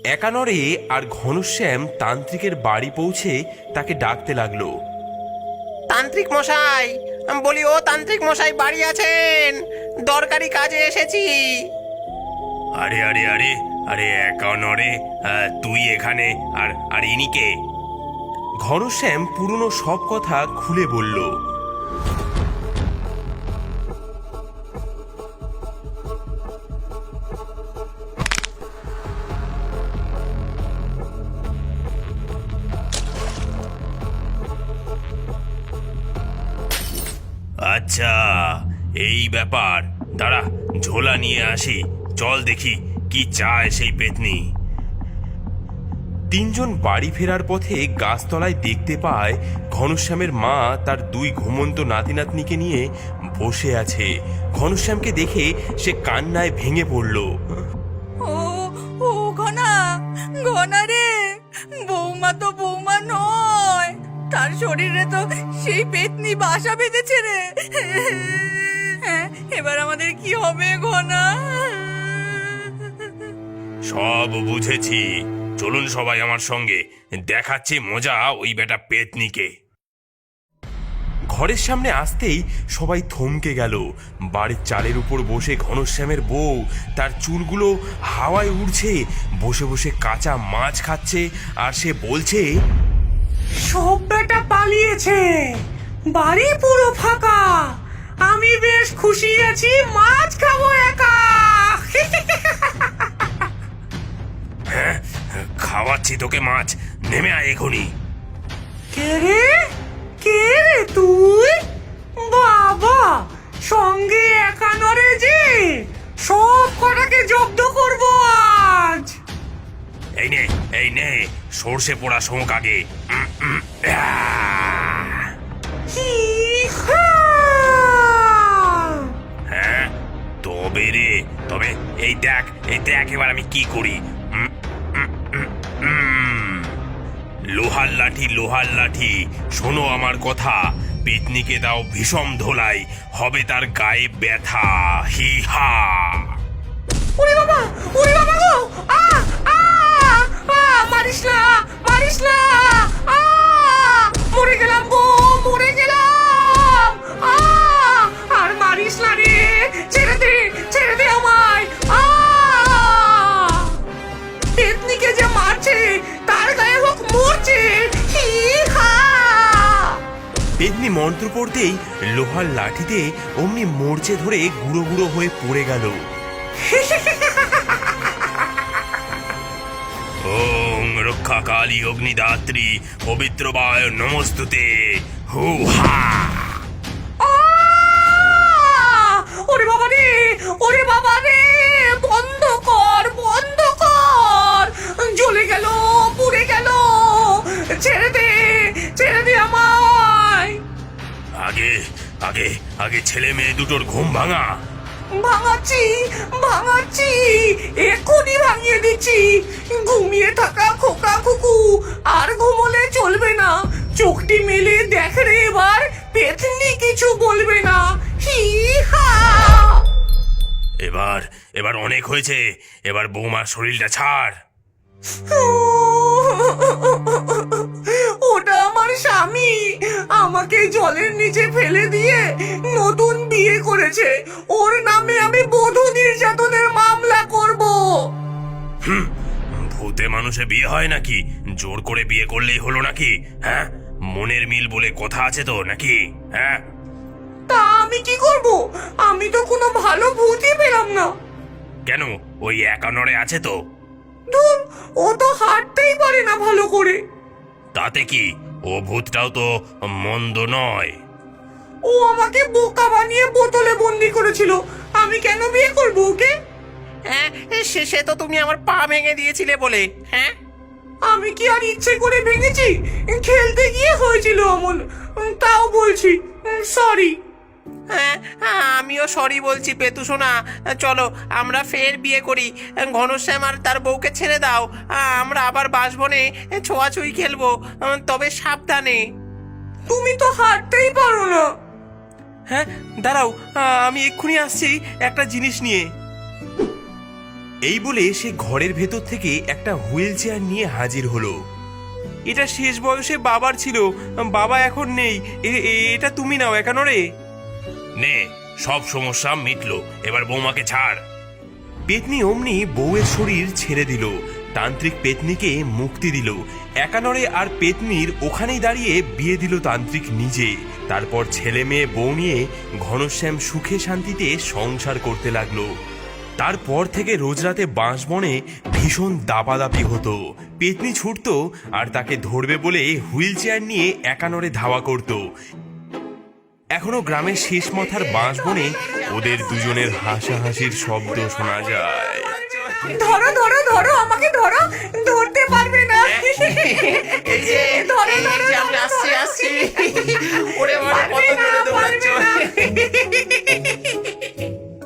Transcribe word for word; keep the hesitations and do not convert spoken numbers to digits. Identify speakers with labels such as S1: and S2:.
S1: একানরে আর ঘনশ্যাম তান্ত্রিকের বাড়ি পৌঁছে তাকে ডাকতে লাগলো।
S2: তান্ত্রিক মশাই, বলি ও তান্ত্রিক মশাই বাড়ি আছেন? দরকারি কাজে এসেছি।
S1: আরে আরে আরে আরে একানরে, তুই এখানে? আর আর ইনি কে? ঘনশ্যাম পুরনো সব কথা খুলে বলল। আচ্ছা, এই ব্যাপার। দাঁড়া, ঝোলা নিয়ে আসি, চল দেখি কি চায় সেই পেতনি। তিনজন বাড়ি ফেরার পথে গাছতলায় দেখতে পায় ঘনশ্যামের মা তার দুই ঘুমন্ত নাতি নাতনিকে নিয়ে বসে আছে। ঘনশ্যামকে দেখে সে কান্নায় ভেঙে পড়ল।
S3: ও ও ঘনা, ঘনা রে, বৌমা তো বৌমা নয়, তার শরীরে তো সেই পেতনি বাসা বেঁধেছে রে। হ্যাঁ, এবার আমাদের কি হবে ঘনা?
S1: সব বুঝেছি, চলুন সবাই আমার সঙ্গে, দেখাচ্ছি মজা ওই বেটা পেতনিকে। ঘরের সামনে আসতেই সবাই থমকে গেল। বাড়ির চালের উপর বসে ঘনশ্যামের বউ, তার চুলগুলো হাওয়ায় উড়ছে, বসে বসে কাঁচা মাছ খাচ্ছে, আর সে বলছে,
S4: সব বেটা পালিয়েছে, বাড়ি পুরো ফাঁকা, আমি বেশ খুশি আছি, মাছ খাবো একা।
S1: হ্যাঁ, খাওয়াচ্ছি তোকে মাছ, নেমে আয় এখনই।
S4: কে রে, কে রে তুই? বাবা, সঙ্গে একা নরে যে, সব কটাকে জব্দ করবো আজ।
S1: এই নে, এই নে, সর্ষে পোড়া শোঁক আগে। উম, উম, আহ!
S4: হি-হা!
S1: হ্যাঁ, তবে রে, তবে এই দেখ, এই দেখ এবার আমি কি করি। উম, উম, উম, উম। লোহার লাঠি, লোহার লাঠি, শোনো আমার কথা, পেতনিকে দাও ভীষণ ধোলাই, হবে তার গায়ে ব্যথা। হি হা!
S4: ওরে বাবা, ওরে বাবা গো, আ আ আ, মারিস না, মারিস না, আ, মরে গেলাম গো, মরে গেলাম, আ, আর মারিস না রে, ছেড়ে দে, ছেড়ে দে আমায়, আ, পেতনিকে যে মারছে তার গায়ে হোক মরছে, হি হা।
S1: পেতনি মন্ত্র পড়তেই লোহার লাঠিতে অমনি মরচে ধরে গুঁড়ো গুঁড়ো হয়ে পড়ে গেল। ওং রক্ষা কালী অগ্নিদাত্রী পবিত্র বায় নমস্তুতে। হু হা!
S4: আহ! ওরে বাবা রে, ওরে বাবা রে, বন্ধ কর, বন্ধ কর, জ্বলে গেল, পুড়ে গেল, ছেড়ে দে, ছেড়ে দে আমায়।
S1: আগে আগে আগে ছেলে মেয়ে দুটোর ঘুম ভাঙা।
S4: ভাঙাচ্ছি, ভাঙাচ্ছি, এক্ষুনি ভাঙিয়ে দিচ্ছি। ঘুমিয়ে থাকা খোকা খুকু আর ঘুমোলে চলবে না, চোখটি মেলে দেখ রে এবার, পেতনি কিছু বলবে না, হি হা।
S1: এবার এবার অনেক হয়েছে, এবার বৌমার শরীরটা ছাড়।
S4: ওটা আমার স্বামী, আমাকে জলের নিচে ফেলে দিয়ে নতুন বিয়ে করেছে, ওর নামে আমি বধূ নির্যাতনের মামলা করব।
S1: হুম, ভূতে মানুষে বিয়ে হয় নাকি? জোর করে বিয়ে করলেই হলো নাকি? হ্যাঁ, মনের মিল বলে কথা আছে তো নাকি? হ্যাঁ,
S4: তা আমি কি করব? আমি তো কোনো ভালো ভূতই পেলাম না।
S1: কেন, ওই একানরে আছে তো।
S4: ধুর, ও তো হাঁটতেই পারে না ভালো করে।
S1: তাতে কি, ও ভূতটাও তো মন্দ নয়।
S4: ও আমাকে বোকা বানিয়ে বোতলে বন্দি করেছিল, আমি কেন বিয়ে করব ওকে?
S2: হ্যাঁ, শেষে তো তুমি আমার পা ভেঙে দিয়েছিলে বলে। হ্যাঁ,
S4: আমি কি আর ইচ্ছে করে ভেঙেছি? খেলতে গিয়ে হয়েছিল অমন, তাও বলছি সরি।
S2: হ্যাঁ, আমিও সরি বলছি পেতু সোনা। চলো আমরা ফের বিয়ে করি, ঘনশ্যাম আর তার বউকে ছেড়ে দাও, আমরা আবার বাসবনে ছোঁয়াছুঁই খেলবো, তবে সাবধানে।
S4: তুমি তো হাঁটতেই পারো না।
S1: হ্যাঁ, দাঁড়াও, আমি এক্ষুনি আসছি একটা জিনিস নিয়ে। এই বলে সে ঘরের ভেতর থেকে একটা হুইল চেয়ার নিয়ে হাজির হলো। এটা শেষ বয়সে বাবার ছিল, বাবা এখন নেই, এ- এ- এটা তুমি নাও একানরে। নে, সব সমস্যা মিটলো, এবার বৌমাকে ছাড়। পেতনি অমনি বউয়ের শরীর ছেড়ে দিল, তান্ত্রিক পেতনিকে মুক্তি দিল। একানরে আর পেতনির ওখানেই দাঁড়িয়ে বিয়ে দিল তান্ত্রিক নিজে। তারপর ছেলে মেয়ে বউ নিয়ে ঘনশ্যাম সুখে শান্তিতে সংসার করতে লাগলো। তারপর থেকে রোজ রাতে বাঁশবনে ভীষণ দাপাদাপি হতো। পেতনি ছুটতো আর তাকে ধরবে বলে হুইল চেয়ার নিয়ে একানরে ধাওয়া করত। এখনো গ্রামের শেষ মাথার বাঁশবনে ওদের দুজনের হাসাহাসির শব্দ শোনা যায়।
S4: ধরো ধরো ধরো, আমাকে ধরো, ধরতে পারবে না।
S2: এই যে
S4: ধরো,
S2: এই
S4: ধরো,
S2: যে আমি
S4: ধরো,
S2: আসছি
S4: ধরো।
S2: আসছি ওরে বাবা, কত
S4: পারবে না,
S2: দূরে
S4: পারবে
S2: দৌড়াচ্ছ।
S4: না।